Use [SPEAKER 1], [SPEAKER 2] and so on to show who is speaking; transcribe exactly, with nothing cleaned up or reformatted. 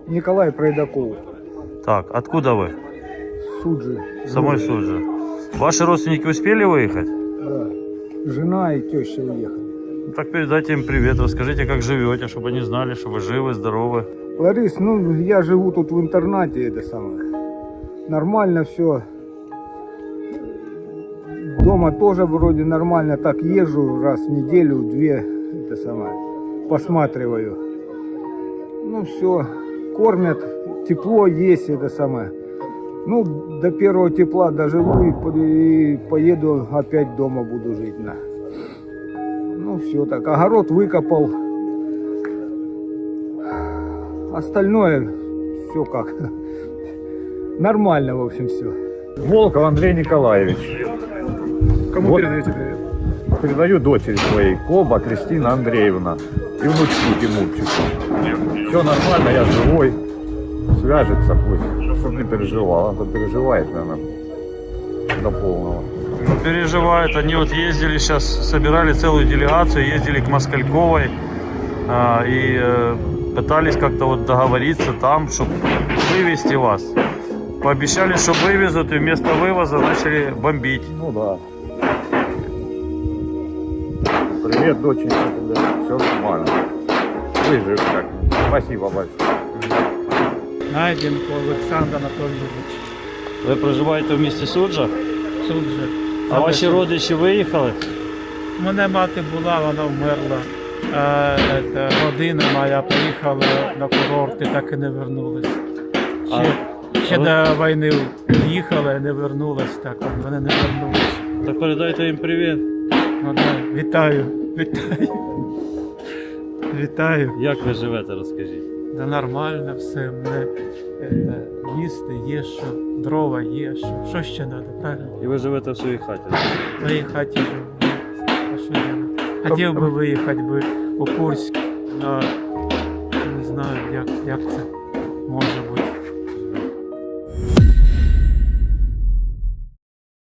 [SPEAKER 1] Николай Пройдаков.
[SPEAKER 2] Так, откуда вы?
[SPEAKER 1] Суджи.
[SPEAKER 2] Самой Суджи. Ваши родственники успели выехать?
[SPEAKER 1] Да. Жена и теща уехали.
[SPEAKER 2] Ну, так передайте им привет, расскажите, как живете, чтобы они знали, что вы живы, здоровы.
[SPEAKER 1] Ларис, ну я живу тут в интернате, это самое. Нормально все. Дома тоже вроде нормально, так езжу раз в неделю, две, это самое, посматриваю. Ну все, кормят, тепло есть, это самое. Ну, до первого тепла доживу и, по- и поеду опять дома буду жить. На. Ну все так, огород выкопал. Остальное все как. Нормально, в общем, все.
[SPEAKER 3] Волков Андрей Николаевич.
[SPEAKER 4] Кому
[SPEAKER 3] Вот.
[SPEAKER 4] передаете привет?
[SPEAKER 3] Передаю дочери своей, Коба Кристина Андреевна и внучку Тимурчику. Все нормально, я живой. Свяжется пусть, чтобы не переживал. Она-то переживает, наверное, до полного.
[SPEAKER 2] Ну, переживают, они вот ездили сейчас, собирали целую делегацию, ездили к Москальковой а, и э, пытались как-то вот договориться там, чтобы вывести вас. Пообещали, что вывезут, и вместо вывоза начали бомбить.
[SPEAKER 3] Ну да. Привет, доченька, тебе. Все нормально. Выжив как. Спасибо большое.
[SPEAKER 4] Найденко Олександр Анатолійович.
[SPEAKER 2] Ви проживаєте в місті Суджа?
[SPEAKER 4] Суджа.
[SPEAKER 2] А ваші родичі виїхали?
[SPEAKER 4] У мене мати була, вона вмерла. А, це, родина моя приїхала на курорт і так і не вернулась. Ще, ще до війни їхала і не вернулась, так вони не вернулись.
[SPEAKER 2] Так передайте їм привіт.
[SPEAKER 4] Ну, да. Вітаю, вітаю. Вітаю.
[SPEAKER 2] Як ви живете, розкажіть?
[SPEAKER 4] Да нормально все, мене це, їсти є, що дрова є, що, що ще треба, правильно?
[SPEAKER 2] І ви живете в своїй хаті?
[SPEAKER 4] В моей хате живу. А что я? Хотел бы выехать бы у Курськ, но не знаю, як, як це може бути.